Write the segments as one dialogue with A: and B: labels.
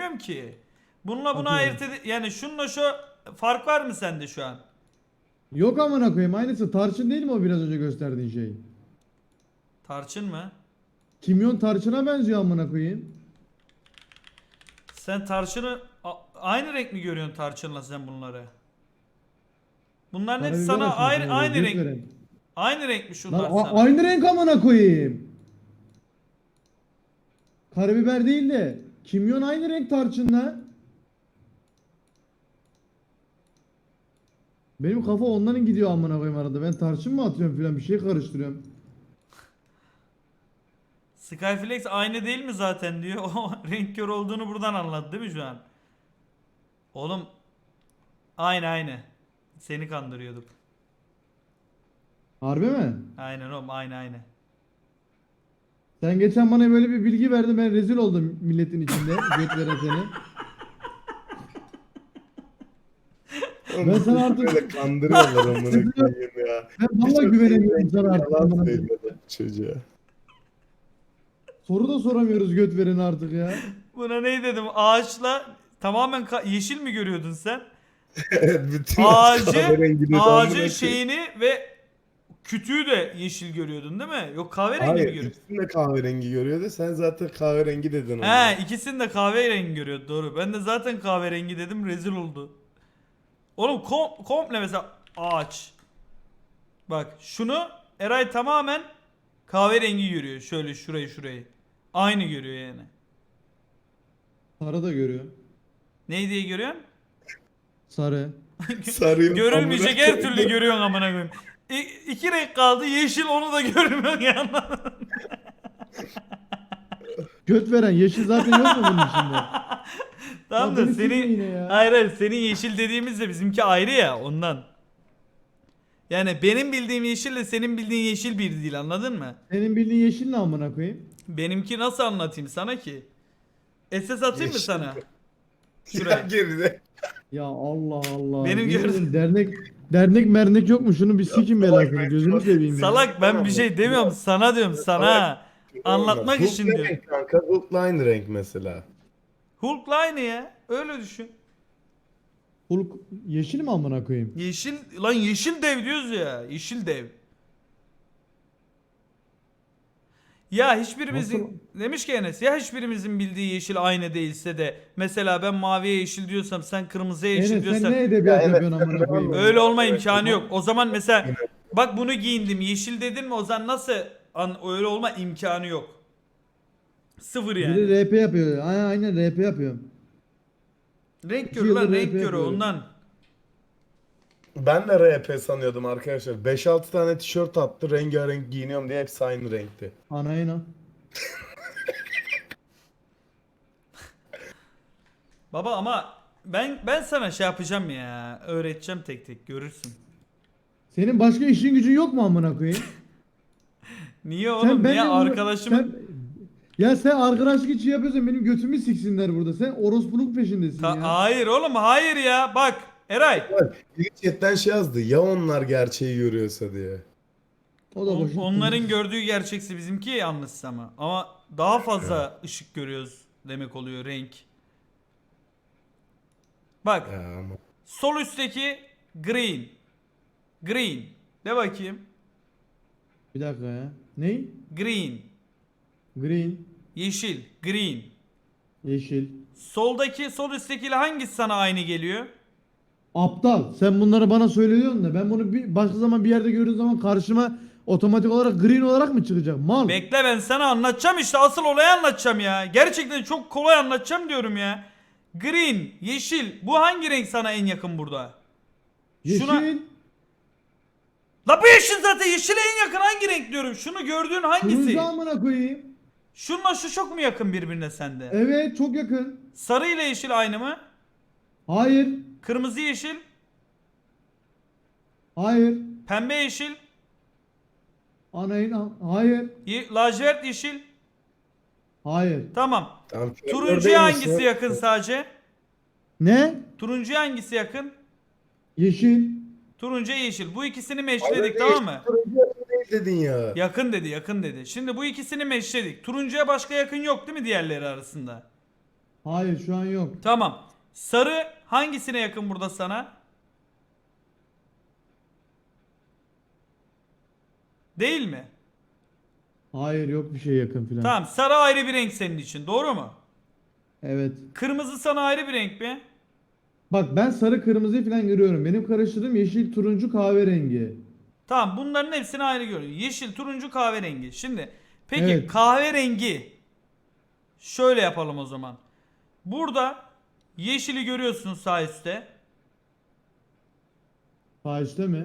A: demiyorum ki. Bununla bunu
B: Atıyorum.
A: yani şununla şu fark var mı sende şu an?
B: Yok amına koyayım, aynısı. Tarçın değil mi o biraz önce gösterdiğin şey?
A: Tarçın mı?
B: Kimyon tarçına benziyor amına koyayım.
A: Sen tarçını aynı renk mi görüyorsun tarçınla sen bunları? Bunların hepsi
B: Karabiber
A: sana
B: açmışsın oraya,
A: aynı
B: göt
A: renk.
B: veren.
A: Aynı renk mi
B: Lan
A: şunlar sana?
B: aynı renk amına koyayım. Karabiber değil de kimyon aynı renk tarçınla. Benim kafa onların gidiyor amına koyayım arada. Ben tarçın mı atıyorum filan, bir şey karıştırıyorum.
A: Skyflex aynı değil mi zaten diyor. O renk kör olduğunu buradan anladı değil mi şu an? Oğlum aynı. Seni kandırıyorduk.
B: Harbi mi?
A: Aynen oğlum aynı.
B: Sen geçen bana böyle bir bilgi verdin, ben rezil oldum milletin içinde. Göt veren seni. Ben
C: Oğlum
B: sana
C: bizi
B: artık
C: böyle kandırıyorlar amına koyayım ya.
B: ben vallahi
C: Birçok
B: güvenemiyorum
C: şeyden
B: sana artık.
C: yalan
B: amına koyayım.
C: söylüyorlar çocuğa.
B: Soru da soramıyoruz göt vereni artık ya.
A: Buna ne dedim? Ağaçla tamamen yeşil mi görüyordun sen?
C: Evet, bütün ağaç kahverengi dedi amına
A: Ağacın
C: koyayım.
A: şeyini ve kütüğü de yeşil görüyordun değil mi? Yok kahverengi mi
C: Hayır,
A: görüyordun?
C: ikisini de kahverengi görüyordu. Sen zaten kahverengi dedin ona.
A: He ikisini de kahverengi görüyordu doğru. Ben de zaten kahverengi dedim rezil oldu. Oğlum komple mesela ağaç. Bak şunu Eray tamamen kahverengi görüyor. Şöyle şurayı. Aynı görüyor yani.
B: Sarı da görüyor.
A: Neyi diye görüyorsun?
B: Sarı.
C: Sarıyor
A: Görülmeyecek
C: amına
A: her türlü
C: koyayım.
A: görüyorsun amına koyayım. İki renk kaldı yeşil onu da görmüyorsun yani.
B: Göt veren yeşil zaten yok mu bunun içinde?
A: Tamam
B: Ya
A: da
B: beni sikme
A: seni
B: yine ya.
A: hayır senin yeşil dediğimizde bizimki ayrı ya ondan. Yani benim bildiğim yeşille senin bildiğin yeşil bir değil anladın mı?
B: Senin bildiğin yeşil ne amına koyayım?
A: Benimki nasıl anlatayım sana ki? SS atayım mı
C: Yeşil.
A: sana?
C: Ya
A: Şuraya.
C: geride.
B: Ya Allah Allah.
A: Benim
B: Yemin
A: gördüğüm-
B: ederim dernek mernek yok mu? Şunu bir sikin belasını. Gözünü seveyim ya.
A: Salak ben bir şey demiyorum sana diyorum sana. Anlatmak
C: Hulk
A: için
C: ne
A: diyorum.
C: renk kanka? Hulk'la aynı renk mesela.
A: Hulk'la aynı ya. Öyle düşün.
B: Hulk yeşil mi amına koyayım?
A: Yeşil lan yeşil dev diyoruz ya. Yeşil dev. Ya hiçbirimizin
B: Nasıl?
A: demiş ki Enes ya hiçbirimizin bildiği yeşil aynı değilse de mesela ben maviye yeşil diyorsam sen kırmızıya yeşil
B: Enes sen
A: diyorsan
B: ne edebiyat
C: Ya evet,
B: yapıyorsun amına koyayım?
A: öyle
B: ya?
A: olma
C: Evet,
A: imkanı
C: evet.
A: yok. O zaman mesela bak bunu giyindim yeşil dedin mi o zaman nasıl öyle olma imkanı yok. Sıfır yani.
B: Biri RP yapıyor. Aynen RP yapıyor.
A: Renk
B: 2
A: körü lan
B: yıldır
A: renk
B: RP
A: körü
B: yapıyorum.
A: ondan.
C: Ben de RP sanıyordum arkadaşlar. 5-6 tane tişört attı. Rengarenk giyiniyorum diye hepsi aynı renkti.
B: Anayına.
A: Baba ama ben sana şey yapacağım ya. Öğreteceğim tek tek görürsün.
B: Senin başka işin gücün yok mu amına koyayım?
A: Niye oğlum?
B: Sen
A: Niye
B: benimle
A: arkadaşımın
B: ya sen arkadaşlık için yapıyorsan benim götümü siksinler burada. Sen orospuluk peşindesin ya.
A: Hayır oğlum hayır ya. Bak Eray.
C: Biri chatten şey yazdı. Ya onlar gerçeği görüyorsa diye.
B: O da boşun.
A: Onların gördüğü gerçeksi bizimki yanlış ama. Ama daha fazla ışık görüyoruz demek oluyor renk. Bak
C: Ya ama.
A: sol üstteki green. Green. De bakayım.
B: Bir dakika ya. Ney?
A: Green.
B: Green.
A: Yeşil. Green.
B: Yeşil.
A: Sol üsttekiyle hangisi sana aynı geliyor?
B: Aptal. Sen bunları bana söylüyorsun da ben bunu başka zaman bir yerde gördüğüm zaman karşıma otomatik olarak green olarak mı çıkacak? Mal.
A: Bekle ben sana anlatacağım işte asıl olayı anlatacağım ya. Gerçekten çok kolay anlatacağım diyorum ya. Green, yeşil. Bu hangi renk sana en yakın burada?
B: Yeşil.
A: La bu yeşil zaten yeşile en yakın hangi renk diyorum. Şunu gördüğün hangisi?
B: Turuncu amına koyayım.
A: Şunla şu çok mu yakın birbirine sende?
B: Evet çok yakın.
A: Sarı ile yeşil aynı mı?
B: Hayır.
A: Kırmızı yeşil,
B: Hayır.
A: pembe yeşil,
B: Hayır.
A: lacivert yeşil.
B: Hayır.
A: Tamam.
C: Tamam,
A: Turuncuya hangisi yakın sadece?
B: Ne?
A: Turuncuya hangisi yakın?
B: Yeşil.
A: Turuncuya yeşil. Bu ikisini
C: Hayır,
A: meşledik tamam mı?
C: turuncu yakın değil dedin ya.
A: Yakın dedi. Şimdi bu ikisini meşledik. Turuncuya başka yakın yok değil mi diğerleri arasında?
B: Hayır şu an yok.
A: Tamam. Sarı hangisine yakın burada sana? Değil mi?
B: Hayır yok bir şey yakın filan.
A: Tamam. Sarı ayrı bir renk senin için. Doğru mu?
B: Evet.
A: Kırmızı sana ayrı bir renk mi?
B: Bak ben sarı kırmızıyı falan görüyorum. Benim karıştırdığım yeşil turuncu kahverengi.
A: Tamam. Bunların hepsini ayrı görüyorsun. Yeşil, turuncu, kahverengi. Şimdi peki
B: Evet.
A: kahverengi şöyle yapalım o zaman. Burada yeşili görüyorsun sağ üstte.
B: Sağ üstte mi?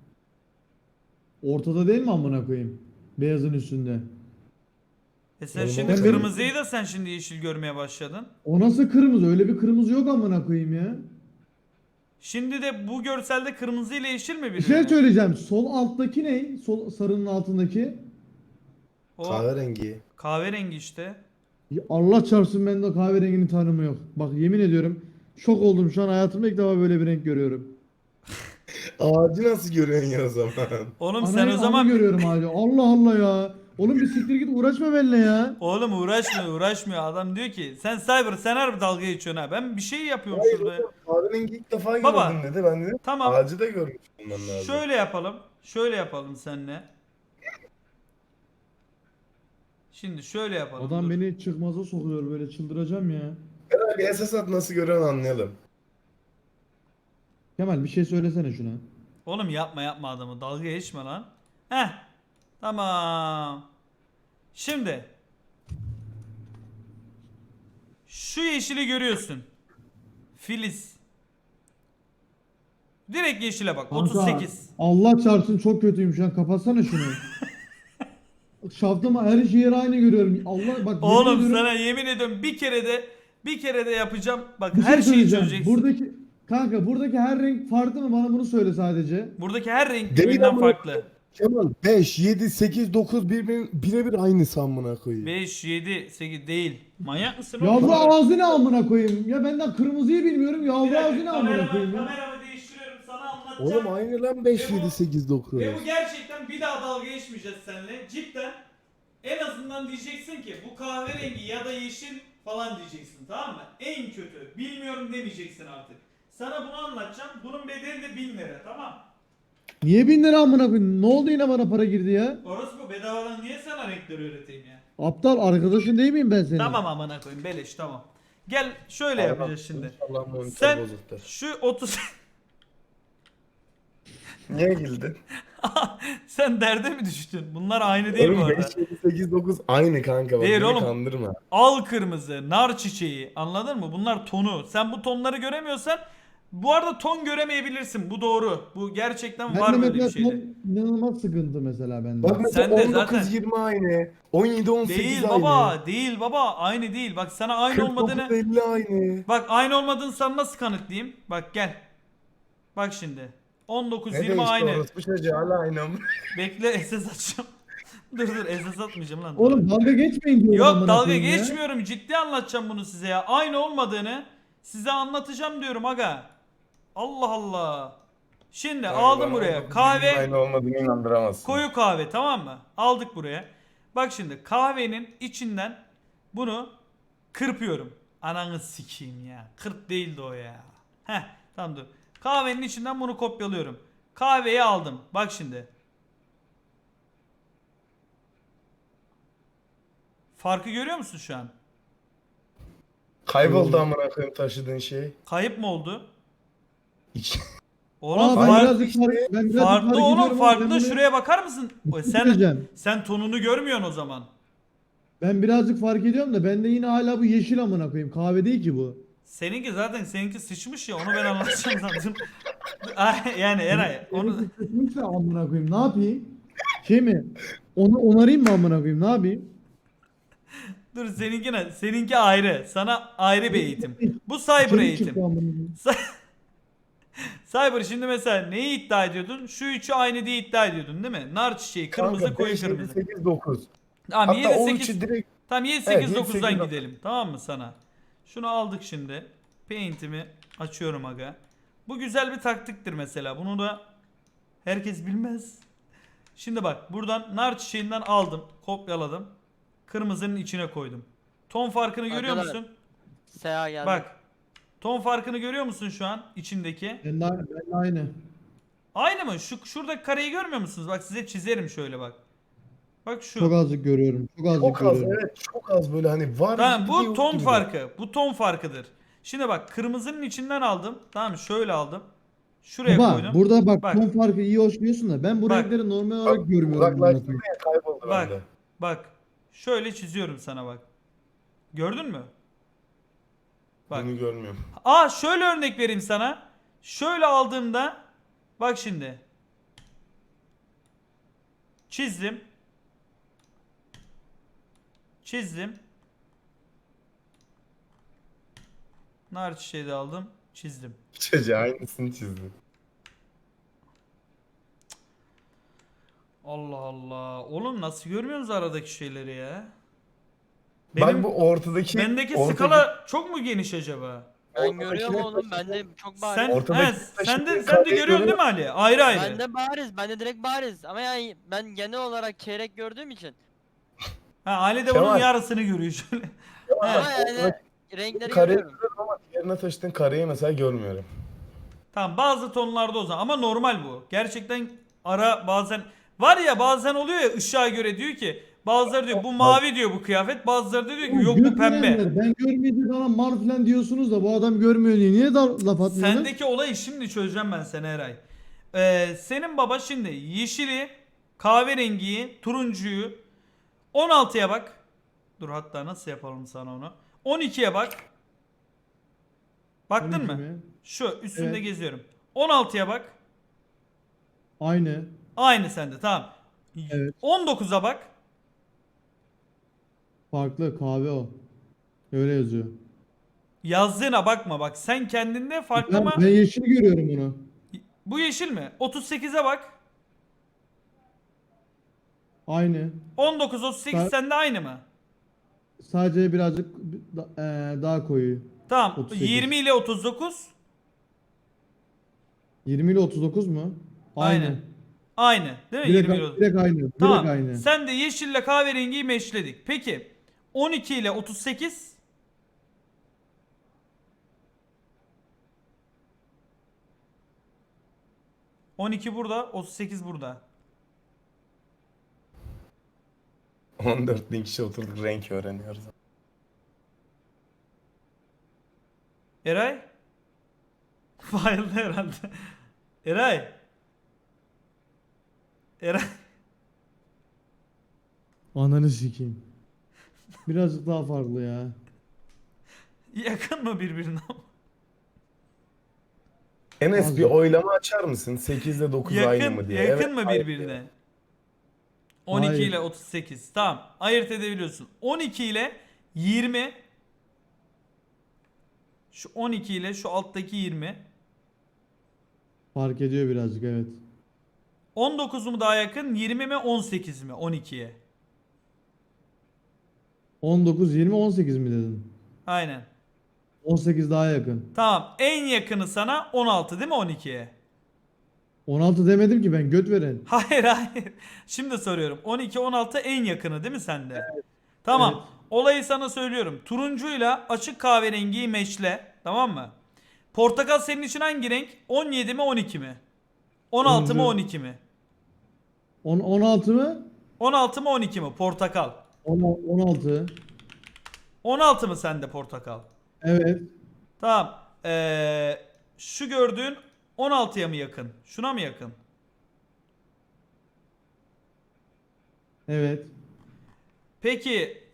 B: Ortada değil mi amına koyayım? Beyazın üstünde.
A: Sen
C: Oğlum,
A: şimdi
B: ben
A: kırmızıyı da sen şimdi yeşil görmeye başladın.
B: O nasıl kırmızı? Öyle bir kırmızı yok amına koyayım ya.
A: Şimdi de bu görselde kırmızı ile yeşil mi
B: Bir
A: birbirine?
B: şey söyleyeceğim. Sol alttaki ne? Sol sarının altındaki.
A: O
C: Kahverengi.
A: kahverengi işte.
B: Ya Allah çarpsın ben de kahverenginin tanımı yok. Bak yemin ediyorum şok oldum şu an hayatımda ilk defa böyle bir renk görüyorum.
C: Ağacı nasıl görüyorsun ya o zaman?
A: Oğlum sen
B: Anayı
A: o zaman
B: görüyorum hala. Allah Allah ya. Oğlum bir siktir git uğraşma benimle ya.
A: oğlum uğraşmıyor. Adam diyor ki sen Cyber sen harbi dalga geçiyorsun ha. Ben bir şey yapıyorum
C: Hayır
A: şurada.
C: oğlum, kahverengi ilk defa
A: Baba,
C: gördüm dedi. Ben dedim
A: tamam.
C: ağacı da görmüş olman lazım.
A: Şöyle yapalım. Şöyle yapalım seninle. Şimdi şöyle yapalım.
B: Adam
A: dur.
B: beni çıkmaza sokuyor böyle çıldıracağım ya.
C: Eray bir esas at nasıl görüyorsun anlayalım.
B: Kemal bir şey söylesene şuna.
A: Oğlum yapma adamı. Dalga geçme lan. Heh. Tamam. Şimdi şu yeşili görüyorsun. Filiz. Direkt yeşile bak.
B: Kanka,
A: 38.
B: Allah çarpsın çok kötüyüm şu an kapatsana şunu. Şaftım her şeyi aynı görüyorum. Allah bak yemin
A: Oğlum
B: ediyorum,
A: sana yemin ediyorum bir kere de yapacağım. Bak
B: bir şey
A: her şeyi
B: söyleyeceğim.
A: çözeceksin.
B: Buradaki her renk farklı mı? Bana bunu söyle sadece.
A: Buradaki her renk
C: Değil
A: birbirinden
C: ama-
A: farklı.
C: Kemal 5, 7, 8, 9 birebir aynı amına koyayım.
A: 5, 7, 8 değil. Manyak mısın oğlum?
B: Yavru ağzı ne amına koyayım? Ya benden kırmızıyı bilmiyorum.
A: Bir
B: Yavru
A: dakika,
B: ağzı ne amına koyayım ya?
A: kameramı değiştiriyorum sana anlatacağım.
C: Oğlum aynı lan 5,
A: Ve bu-
C: 7, 8, 9.
A: Ve bu gerçekten bir daha dalga geçmeyeceğiz seninle. Cidden en azından diyeceksin ki bu kahverengi ya da yeşil falan diyeceksin, tamam mı? En kötü bilmiyorum demeyeceksin artık. Sana bunu anlatacağım. Bunun bedeli de 1000 lira, tamam.
B: Niye 1000 lira amına koyayım? Ne oldu yine bana para girdi ya?
A: Orası bu, bedavadan niye sana renkleri öğreteyim ya?
B: Aptal arkadaşın değil miyim ben senin?
A: Tamam amına koyayım, beleş, tamam. Gel şöyle yapacağız şimdi.
C: İnşallah monitör
A: Sen
C: bozuktur.
A: şu 30
C: Niye güldün?
A: sen derde mi düştün? Bunlar aynı değil bu
C: Oğlum
A: arada.
C: 5, 7, 8, 9 aynı kanka bak
A: Değil
C: beni
A: oğlum.
C: kandırma.
A: Al kırmızı, nar çiçeği, anladın mı? Bunlar tonu. Sen bu tonları göremiyorsan bu arada ton göremeyebilirsin. Bu doğru. Bu gerçekten
B: Ben
A: var
B: de
A: böyle bir
B: mesela
A: şeyde.
B: inanılmaz sıkıntı mesela bende.
C: Bak mesela
A: Sen de
C: 19,
A: zaten-
C: 20 aynı. 17, 18
A: Değil
C: aynı.
A: baba, değil baba. Aynı değil. Bak sana aynı
C: 49,
A: olmadığını
C: 50 aynı.
A: bak aynı olmadığını sana nasıl kanıtlayayım? Bak gel. Bak şimdi. 19
C: Ne
A: 20
C: değişti
A: aynı.
C: orospu çocuğu hala aynı mı?
A: Bekle SS açacağım. dur SS atmayacağım lan.
B: Oğlum dalga geçmeyin diyorum
A: Yok
B: amına
A: dalga
B: koyayım ya.
A: geçmiyorum. Ciddi anlatacağım bunu size ya. Aynı olmadığını size anlatacağım diyorum aga. Allah Allah. Şimdi aldım buraya. Kahve
C: Aynı olmadığını inandıramazsın.
A: koyu kahve, tamam mı? Aldık buraya. Bak şimdi kahvenin içinden bunu kırpıyorum. Ananı sikeyim ya. Kırp değildi o ya. Heh tamam dur. Kahvenin içinden bunu kopyalıyorum. Kahveyi aldım. Bak şimdi. Farkı görüyor musun şu an?
C: Kayboldu amına koyayım taşıdığın şey.
A: Kayıp mı oldu?
C: İç-
A: Oğlum
B: Aa, ben
A: fark-
B: birazcık ben birazcık
A: farklı
B: fark
A: oğlum
B: ediyorum ama
A: farklı.
B: ben bunu-
A: Şuraya bakar mısın? Sen
B: söyleyeceğim.
A: sen tonunu görmüyorsun o zaman.
B: Ben birazcık fark ediyorum da bende yine hala bu yeşil amına koyayım. Kahve değil ki bu.
A: Seninki zaten seninki sıçmış ya, onu ben anlatacağım zaten. Ay, yani Eray onu
B: Onu sıkmışsa amına koyayım. Ne yapayım? Şey mi? Onu onarayım mı amına koyayım? Ne yapayım?
A: dur seninki ayrı. Sana ayrı bir eğitim. Bu cyber
B: İçerik
A: eğitim.
B: çıktı amına koyayım.
A: Cyber şimdi mesela neyi iddia ediyordun? Şu üçü aynı diye iddia ediyordun değil mi? Nar çiçeği, kırmızı,
C: Kanka,
A: koyu
C: 5, 7,
A: kırmızı.
C: 8, 9.
A: Tamam
C: Hatta
A: 7
C: o
A: 8
C: üçü direkt
A: tamam 7 8
C: 7,
A: 9'dan
C: 8,
A: gidelim. Tamam mı sana? Şunu aldık şimdi. Paint'imi açıyorum aga. Bu güzel bir taktiktir mesela. Bunu da herkes bilmez. Şimdi bak buradan nar çiçeğinden aldım, kopyaladım. Kırmızının içine koydum. Ton farkını görüyor
D: Arkadaşlar,
A: musun?
D: Seha geldi.
A: Bak. Ton farkını görüyor musun şu an içindeki?
B: Ben de aynı.
A: Aynı mı? Şuradaki kareyi görmüyor musunuz? Bak size çizerim şöyle bak. Bak şu.
B: Çok azıcık görüyorum. Çok azıcık
C: Çok az,
B: görüyorum.
C: evet, çok az böyle hani var
A: Tamam
C: gibi
A: bu
C: yok
A: ton
C: gibi.
A: farkı. Bu ton farkıdır. Şimdi bak kırmızının içinden aldım. Tamam mı? Şöyle aldım. Şuraya
B: Baba
A: koydum.
B: burada bak,
A: Bak.
B: ton farkı iyi hoş diyorsun da ben bu
A: Bak.
B: renkleri normal olarak görmüyorum.
C: Uzaklaştırdı ya, kayboldu
A: Bak.
C: bende.
A: Bak. Şöyle çiziyorum sana bak. Gördün mü? Bak.
C: Bunu görmüyorum.
A: Şöyle örnek vereyim sana. Şöyle aldığımda bak şimdi. Çizdim. Çizdim. Nar çiçeği de aldım. Çizdim.
C: Çocuğa aynısını çizdim.
A: Allah Allah. Oğlum nasıl görmüyorsunuz aradaki şeyleri ya?
C: Bak bu ortadaki
A: Bendeki
C: ortadaki-
A: skala çok mu geniş acaba?
D: Ben görüyorum oğlum. Bende çok bariz.
A: Sen
C: Ortadaki
A: sen de
C: kareyi
A: görüyorsun değil mi Ali? Ayrı ayrı.
D: Bende bariz. Bende direkt bariz. Ama yani ben genel olarak çeyrek gördüğüm için.
A: Ali de
C: Kemal.
A: onun yarısını görüyor şöyle.
D: Ama
A: Evet.
D: yani renkleri
C: kareyi
D: görüyorum.
C: görüyorum ama diğerine taşıdığın kareyi mesela görmüyorum.
A: Tamam bazı tonlarda o zaman ama normal bu. Gerçekten ara bazen var ya bazen oluyor ya ışığa göre diyor ki bazıları diyor bu mavi diyor bu kıyafet bazıları da diyor ki yok bu
B: Göt
A: pembe.
B: verenler, ben görmeyince bana mal falan diyorsunuz da bu adam görmüyor diye. Niye da laf atmıyorsun?
A: Sendeki olayı şimdi çözeceğim ben sana Eray. Senin baba şimdi yeşili, kahverengiyi, turuncuyu 16'ya bak. Dur hatta nasıl yapalım sana onu. 12'ye bak. Baktın
B: 12
A: mı?
B: mi?
A: Şu üstünde
B: Evet.
A: geziyorum. 16'ya bak.
B: Aynı.
A: Aynı sende tamam.
B: Evet.
A: 19'a bak.
B: Farklı kahve o. Öyle yazıyor.
A: Yazdığına bakma bak. Sen kendinde farklı
B: Ben,
A: ama
B: ben yeşil görüyorum bunu.
A: bu yeşil mi? 38'e bak.
B: Aynı.
A: 19 38
B: Sa-
A: sende aynı mı?
B: Sadece birazcık daha koyu.
A: Tamam.
B: 38.
A: 20 ile 39
B: 20 ile 39 mu? Aynı.
A: aynı. Aynı. Değil mi?
B: Direkt,
A: 20 ile 39.
B: direkt aynı.
A: Tamam.
B: Direkt aynı.
A: Sen de yeşille kahverengiyi meşledik. Peki 12 ile 38 12 burada, 38 burada.
C: 14 bin kişi oturduk renk öğreniyoruz.
A: Eray? Bayıldı herhalde. Eray? Eray?
B: Ananı sikeyim. Birazcık daha farklı ya.
A: Yakın mı birbirine?
C: Enes
B: Az
C: bir
B: yok.
C: oylama açar mısın? 8 ile 9 aynı
A: Yakın,
C: mı diye.
A: yakın
C: Evet,
A: mı
C: aynı
A: birbirine?
C: diyor.
A: 12
B: Hayır.
A: ile 38. Tamam. Ayırt edebiliyorsun. 12 ile 20. Şu 12 ile şu alttaki 20.
B: Fark ediyor birazcık, evet.
A: 19 mu daha yakın? 20 mi 18 mi 12'ye?
B: 19, 20, 18 mi dedin?
A: Aynen.
B: 18 daha yakın.
A: Tamam. En yakını sana 16 değil mi 12'ye?
B: 16 demedim ki ben, göt veren.
A: Hayır hayır. Şimdi soruyorum. 12 16 en yakını değil mi sende? Tamam.
B: Evet.
A: Olayı sana söylüyorum. Turuncuyla açık kahverengiyi meşle. Tamam mı? Portakal senin için hangi renk? 17 mi 12 mi? 16 mı
B: Turuncu.
A: 12 mi?
B: 16 mı?
A: 16 mı 12 mi? Portakal.
B: 16.
A: 16 mı sende portakal?
B: Evet.
A: Tamam. Şu gördüğün 16'ya mı yakın? Şuna mı yakın?
B: Evet.
A: Peki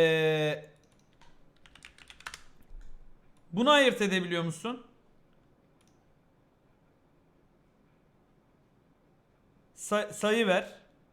A: bunu ayırt edebiliyor musun? Sayı ver.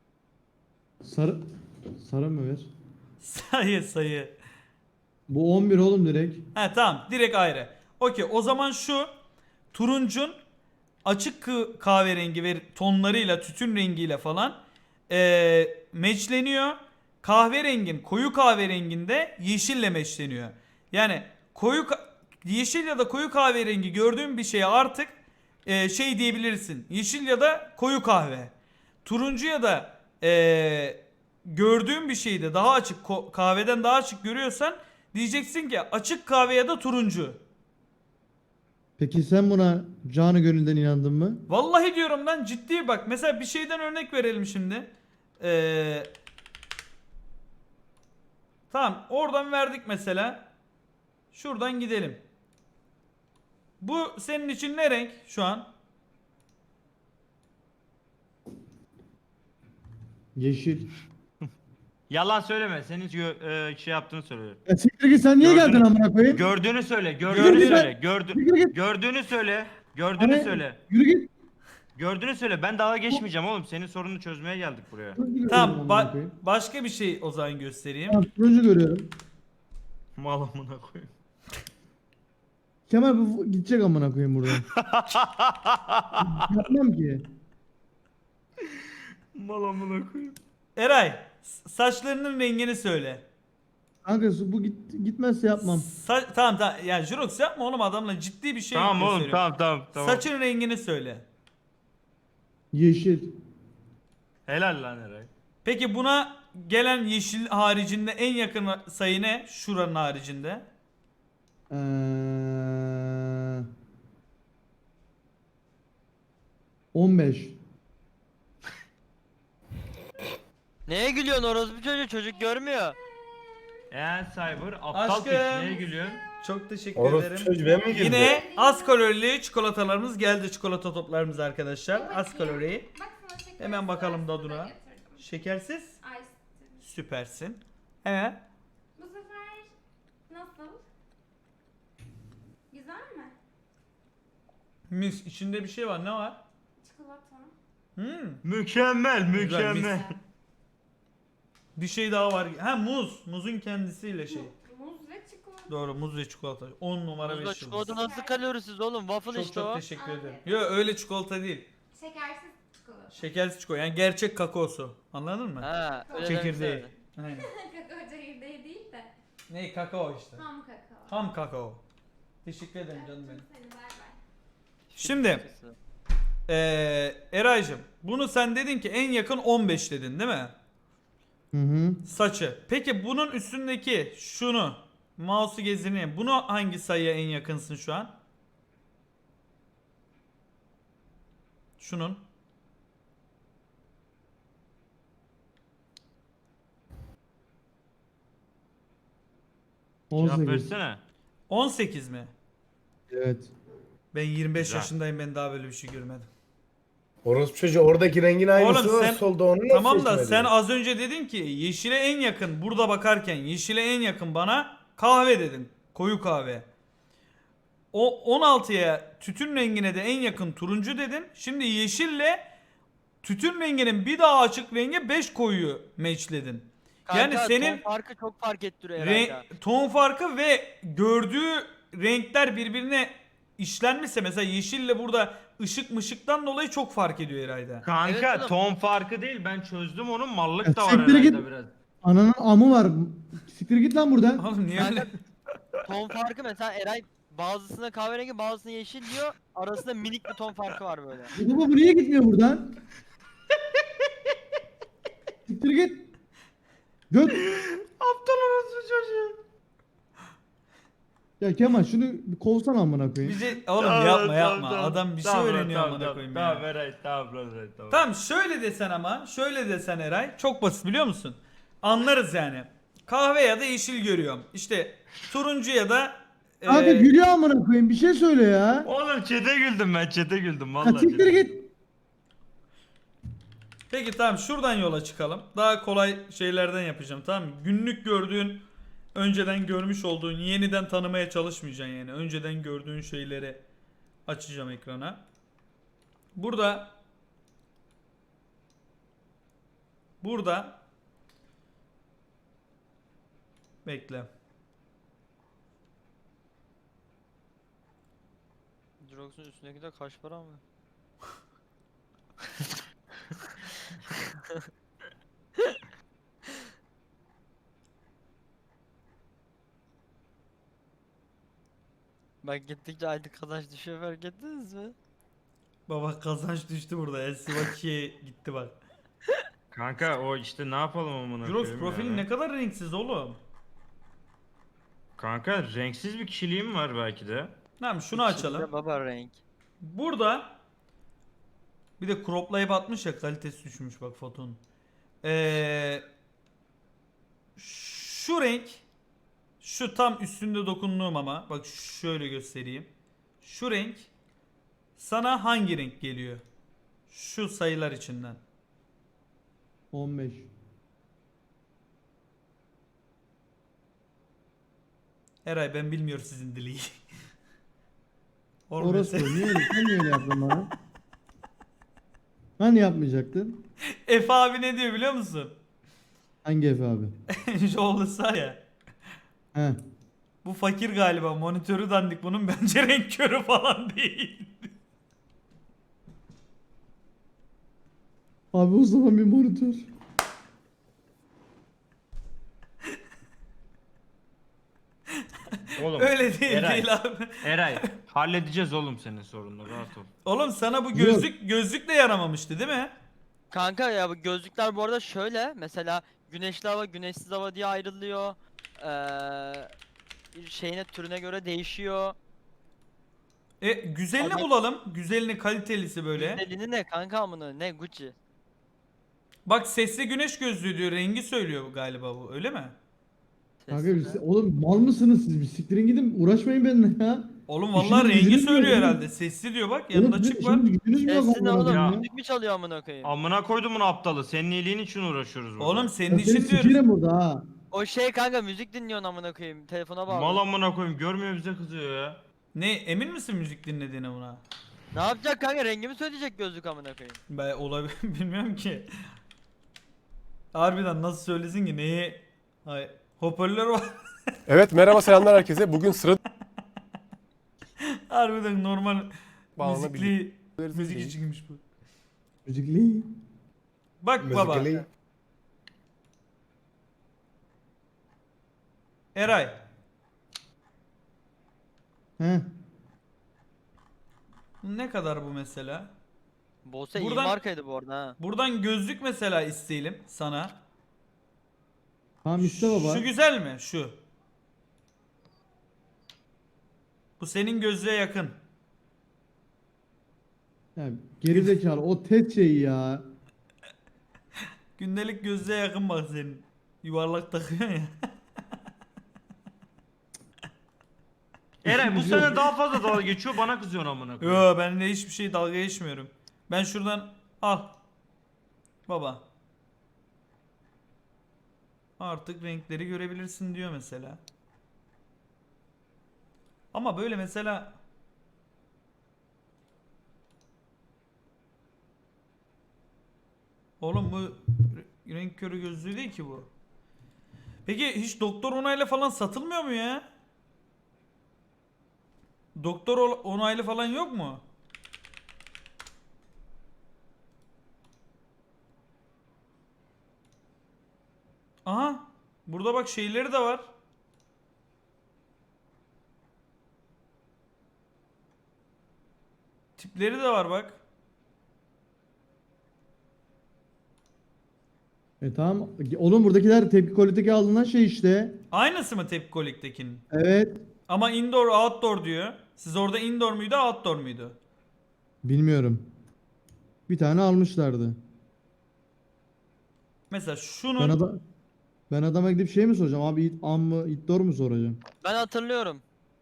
B: Sarı mı ver?
A: Sayı.
B: Bu 11 oğlum direkt.
A: He tamam direkt ayrı. Okey o zaman şu turuncun açık kahverengi ve tonlarıyla tütün rengiyle falan meçleniyor. Kahverengin koyu kahverenginde yeşille meçleniyor. Yani yeşil ya da koyu kahverengi gördüğün bir şeye artık şey diyebilirsin. Yeşil ya da koyu kahve. Turuncu ya da gördüğün bir şeyde daha açık kahveden daha açık görüyorsan Diyeceksin ki açık kahve ya da turuncu.
B: Peki sen buna canı gönülden inandın mı?
A: Vallahi diyorum lan, ciddi bak. Mesela bir şeyden örnek verelim şimdi. Tamam, oradan verdik mesela. Şuradan gidelim. Bu senin için ne renk şu an?
B: Yeşil.
E: Yalan söyleme. Senin şey yaptığını söyle.
B: Ya siktir git, sen niye
E: Gördün-
B: geldin amına koyayım?
E: Gördüğünü söyle.
B: Yürü
E: Gördüğünü
B: git
E: söyle.
B: lan. Yürü git.
E: Gördüğünü söyle. Gördüğünü
B: Hani-
E: söyle.
B: Yürü git.
E: Gördüğünü söyle. Ben dalga geçmeyeceğim oğlum. Senin sorununu çözmeye geldik buraya.
B: Turuncu görüyorum
A: Tamam,
B: amına koyayım.
A: başka bir şey o zaman göstereyim.
B: Tamam, turuncu görüyorum.
E: Mal amına koyayım.
B: Kemal bu gidecek amına koyayım buradan. Yapmam ki.
E: Mal amına koyayım.
A: Eray, saçlarının rengini söyle.
B: Kanka bu gitmezse yapmam.
A: Tamam tamam, yani Jurox yapma oğlum, adamla ciddi bir şey
E: Tamam oğlum,
A: gösteriyorum.
E: tamam.
A: Saçın rengini söyle.
B: Yeşil.
E: Helal lan Eray.
A: Peki buna gelen yeşil haricinde en yakın sayı ne? Şuranın haricinde.
B: 15.
D: Neye gülüyorsun orospu çocuğu? Çocuk görmüyor.
E: Cyber aptal
A: Aşkım.
E: piç, neye gülüyorsun?
A: Çok teşekkür
C: Orospu
A: ederim.
C: çocuğu ben mi girdim?
A: Yine az kalorili çikolatalarımız geldi, çikolata toplarımız arkadaşlar. Az kalori.
F: Bak sana şekersiz
A: Hemen bakalım
F: ice
A: tadına.
F: getirdim.
A: Şekersiz.
F: Ice.
A: Süpersin. Evet.
F: Bu sefer nasıl? Güzel mi?
A: Mis, içinde bir şey var, ne var?
F: Çikolata.
E: Mükemmel,
A: Güzel,
E: mükemmel.
A: Bir şey daha var. Ha, muz. Muzun kendisiyle şey.
F: Muz ve çikolata.
A: Doğru, muz ve çikolata. 10 numara 5
D: Buzla
A: yıldız.
D: çikolata nasıl kalorisiz oğlum? Waffle
A: Çok
D: işte
A: çok
D: o.
A: teşekkür ederim.
F: Afiyet.
A: Yo, öyle çikolata değil.
F: Şekersiz çikolata.
A: Şekersiz çikolata. Yani gerçek kakaosu. Anladın mı?
D: Ha, öyle
A: Çekirdeği.
D: demesene.
A: Aynen.
F: Kakao çekirdeği değil de
A: Ne, kakao işte.
F: ham kakao.
A: Ham kakao. Teşekkür ederim canım benim.
F: Öptüm seni, bay bay.
A: Şimdi Eraycığım, bunu sen dedin ki en yakın 15 dedin değil mi?
B: Hı hı.
A: Saçı. Peki bunun üstündeki şunu, mouse'u gezdireyim. Bunu hangi sayıya en yakınsın şu an? Şunun.
E: Cevap
B: 18.
E: versene.
A: 18 mi?
B: Evet.
A: Ben 25
E: Güzel.
A: yaşındayım, ben daha böyle bir şey görmedim.
C: Orospu çocuğu oradaki rengin aynısı
A: Oğlum
C: var
A: sen-
C: solda, onu nasıl
A: Tamam da
C: seçmedin?
A: sen az önce dedin ki yeşile en yakın, burada bakarken yeşile en yakın bana kahve dedin. Koyu kahve. O 16'ya tütün rengine de en yakın turuncu dedin. Şimdi yeşille tütün renginin bir daha açık rengi 5 koyuyu matchledin. Yani
D: Kanka,
A: senin
D: ton farkı çok fark ettiriyor herhalde.
A: ton farkı ve gördüğü renkler birbirine işlenmişse, mesela yeşille burada ışık mışıktan dolayı çok fark ediyor herhalde.
E: Kanka
D: Evet oğlum.
E: ton farkı değil, ben çözdüm onun, mallık
B: Ya
E: da var
B: siktir
E: herhalde
B: git.
E: biraz.
B: Ananın amı var. Siktir git lan buradan.
A: Oğlum niye
D: Kanka,
A: öyle?
D: ton farkı mesela Eray bazısına kahverengi bazısına yeşil diyor. Arasında minik bir ton farkı var böyle.
B: Bu niye gitmiyor buradan? Siktir git. Göt.
E: Aptal orası çocuğu.
B: Ya Kemal şunu bir kovsana amına koyayım.
A: Bize oğlum yapma yapma. Adam bir şey öğreniyor amına koyayım
E: Tamam
A: ya.
E: Eray, tamam Eray, tamam.
A: Tamam, şöyle desen ama, şöyle desen Eray, çok basit biliyor musun? Anlarız yani. Kahve ya da yeşil görüyorum. İşte turuncu ya da
B: Kanka gülüyor amına koyayım, bir şey söyle ya.
E: Oğlum çete güldüm ben, çete güldüm
B: Ya
E: vallahi.
B: siktir git.
A: Peki tamam, şuradan yola çıkalım. Daha kolay şeylerden yapacağım, tamam mı? Günlük gördüğün, önceden görmüş olduğun, yeniden tanımaya çalışmayacaksın yani. Önceden gördüğün şeyleri açacağım ekrana. Burada bekle.
D: Jirox'un üstündeki de kaç para mı? Bak gittikçe aylık kazanç düşüyor, fark ettiniz mi?
A: Baba kazanç düştü burada. Elsivaki'ye gitti bak.
E: Kanka o işte ne yapalım amına
A: Jurox
E: koyayım
A: profilin
E: yani.
A: ne kadar renksiz oğlum.
E: Kanka renksiz bir kişiliğim var belki de.
A: Tamam şunu
D: İçinde
A: açalım.
D: baba renk.
A: Burada bir de croplayıp atmış ya, kalitesi düşmüş bak fotonun. Şu renk, şu tam üstünde dokunduğum, ama bak şöyle göstereyim. Şu renk sana hangi renk geliyor? Şu sayılar içinden.
B: 15.
A: Eray ben bilmiyorum sizin dili. Oğlum
B: Orası
A: mesela-
B: niye öyle? Sen niye öyle yaptın bana? Hani yapmayacaktın?
A: Efe abi ne diyor biliyor musun?
B: Hangi Efe abi?
A: Şu olursa ya.
B: He.
A: Bu fakir galiba, monitörü dandik bunun, bence renk körü falan değil.
B: Abi o zaman bir monitör.
E: Oğlum
A: Öyle değil
E: Eray.
A: değil abi.
E: Eray halledeceğiz oğlum senin sorununu, rahat ol.
A: Oğlum sana bu
B: Yok.
A: gözlük de yaramamıştı değil mi?
D: Kanka ya bu gözlükler bu arada şöyle mesela güneşli hava güneşsiz hava diye ayrılıyor. Şeyine türüne göre değişiyor.
A: Güzelini
D: Ama-
A: bulalım. Güzelini, kalitelisi böyle.
D: Güzelliğini ne kanka amına ne Gucci.
A: Bak sesli güneş gözlüğü diyor. Rengi söylüyor bu galiba bu. Öyle mi?
B: Kanka
D: Sesli mi?
B: oğlum mal mısınız siz? Bir siktirin gidin, uğraşmayın benimle ya.
A: Oğlum
B: İşiniz
A: vallahi rengi
B: gücünüz mü
A: söylüyor
B: yok oğlum?
A: herhalde. Sesli diyor bak.
B: Oğlum
A: Yanında
B: sizin
A: açık var.
B: işiniz gücünüz mü yok
D: Sesli ne
B: amına
D: oğlum?
B: koyayım ya?
D: Müzik mi çalıyor amına koyayım?
E: Amına koydum bunu aptalı. Senin iyiliğin için uğraşıyoruz burada.
A: Oğlum
B: Ben
A: senin
B: seni
A: için diyoruz.
B: sikerim burada ha.
D: O şey kanka müzik dinliyorsun amına koyayım. Telefona bağlı.
E: Mal amına koyayım, görmüyor bize kızıyor ya.
A: Ne, emin misin müzik dinlediğine buna?
D: Ne yapacak kanka rengimi söyleyecek gözlük amına koyayım.
A: Ben olabilir bilmiyorum ki. Harbiden nasıl söylesin ki neyi? Hay hoparlör var.
G: Evet, merhaba, selamlar herkese. Bugün sıra
A: Harbiden normal
G: bağlanabilir.
A: müzik içinmiş bu.
B: Müzikli.
A: Bak baba.
C: Müzikali.
A: Eray.
B: He.
A: Ne kadar bu mesela?
D: Bose iyi
A: Buradan-
D: markaydı bu arada ha.
A: Buradan gözlük mesela isteyelim sana.
B: Tamam iste baba.
A: Şu güzel mi? Şu. Bu senin gözlüğe yakın.
B: Ya, geri zekalı o tet şeyi ya.
A: Gündelik gözlüğe yakın bak senin. Yuvarlak takıyorsun ya.
E: Eray bu sene daha fazla dalga geçiyor, bana kızıyorsun amına koyayım.
A: Yo ben de hiçbir şey dalga geçmiyorum. Ben şuradan al. Baba. Artık renkleri görebilirsin diyor mesela. Ama böyle mesela oğlum bu renk körü gözlüğü değil ki bu. Peki hiç doktor onayla falan satılmıyor mu ya? Doktor onaylı falan yok mu? Aha. Burada bak şeyleri de var. Tipleri de var bak.
B: Tamam. Oğlum buradakiler tepki koliteki alınan şey işte.
A: Aynısı mı Tepkolik'tekinin?
B: Evet.
A: Ama indoor outdoor diyor. Siz orada indoor muydu outdoor muydu?
B: Bilmiyorum. Bir tane almışlardı.
A: Mesela
B: Ben,
A: şunun
B: ben adama gidip şey mi soracağım? Abi am mı idor mu soracağım?
D: Ben hatırlıyorum.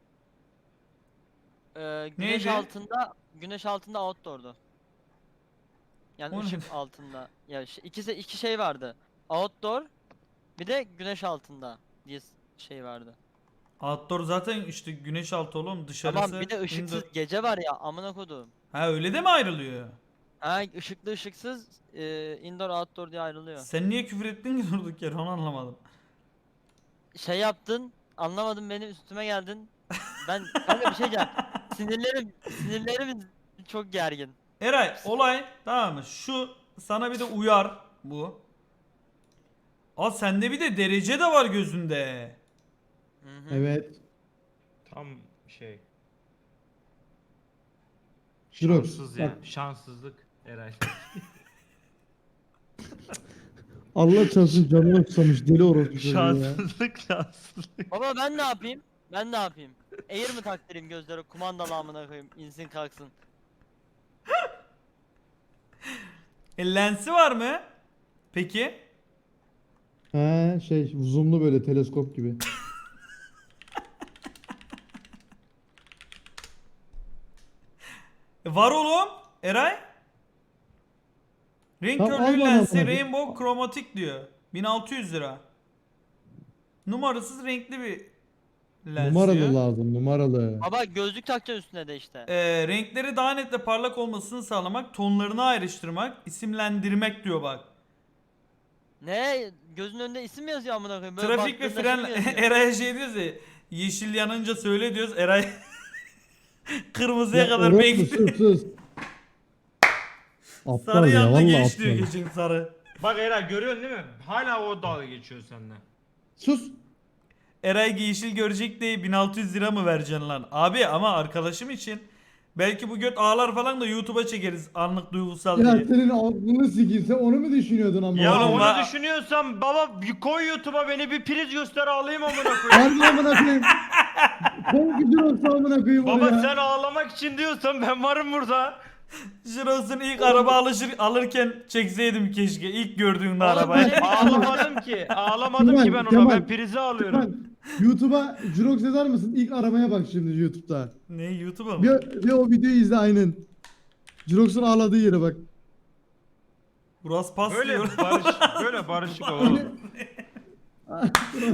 D: Güneş
A: Neydi?
D: güneş altında outdoor'du. Yani
A: O ne?
D: ışık altında. Ya iki şey vardı. Outdoor bir de güneş altında diye şey vardı.
A: outdoor zaten işte güneş altı oğlum, dışarısı.
D: Tamam bir de ışıksız
A: indoor.
D: gece var ya amına kodum.
A: Ha öyle de mi ayrılıyor?
D: Ha ışıklı ışıksız indoor outdoor diye ayrılıyor.
A: Sen niye küfür ettin ki durduk yere, onu anlamadım.
D: Şey yaptın anlamadım benim üstüme geldin. Ben kanka bir şey diyeceğim. Sinirlerim çok gergin.
A: Eray olay tamam mı? Şu sana bir de uyar bu. Aa sende bir de derece de var gözünde.
D: Hı hı.
B: Evet.
E: Tam şey.
B: Jirox.
E: Şanssız
B: Bak,
E: yani. Şanssızlık Eray.
B: Allah çarpsın canına susamış deli orospu çocuğu ya.
E: Şanssızlık şanssızlık.
D: Baba ben ne yapayım? Ben ne yapayım? Air mi taktırayım gözlere, kumandalı amına koyayım, insin kalksın.
A: Lensi var mı? Peki.
B: He şey zoomlu böyle teleskop gibi.
A: Var oğlum. Eray. Renk
B: Tamam,
A: körlüğü
B: al bana
A: lensi
B: bunu.
A: Rainbow Chromatic diyor. 1600 lira. Numarasız renkli bir lens diyor.
B: Numaralı lazım numaralı.
D: Baba gözlük takacaksın üstüne de işte.
A: Renkleri daha net ve parlak olmasını sağlamak, tonlarını ayrıştırmak, isimlendirmek diyor bak.
D: Ne? Gözün önünde isim mi yazıyor amına koyayım? Böyle
A: Trafik ve
D: baktığında
A: fren
D: şey mi yazıyor?
A: Eray'a şey diyoruz ya, yeşil yanınca söyle diyoruz. Eray kırmızıya
B: Ya
A: kadar
B: orospu,
A: bekliyor.
B: sus. Aptal
A: Sarı
B: ya
A: yandı
B: vallahi
A: geç diyor
B: aptal.
A: geçin sarı.
E: Bak Eray görüyorsun değil mi? Hala o dalga geçiyor seninle.
B: Sus.
A: Eray yeşil görecek diye 1600 lira mı vereceksin lan? Abi ama arkadaşım için. Belki bu göt ağlar falan da YouTube'a çekeriz anlık duygusal
B: Ya
A: diye.
B: senin aklını sikeyim sen onu mu düşünüyordun ama?
E: Ya
A: Oğlum
E: onu
A: ben-
E: düşünüyorsan baba bir koy YouTube'a beni bir priz göster ağlayayım amına koyayım.
B: Harbi amına koyayım. Kol gücün olsa amına koyayım
E: Baba
B: oraya.
E: sen ağlamak için diyorsan ben varım burada.
A: Jiros'un ilk araba alırken çekseydim keşke ilk gördüğünde
D: Oğlum
A: arabayı.
D: böyle-
E: Ağlamadım ki. Ağlamadım ki ben ona.
B: Kemal,
E: Ben prizi alıyorum.
B: Lütfen YouTube'a Jurox yazar mısın? İlk aramaya bak şimdi YouTube'da.
A: Ne YouTube'a mı?
B: Bir o videoyu izle aynen. Jurox'un ağladığı yere bak.
A: Burası pas
E: Böyle
A: diyor.
E: barışık olalım.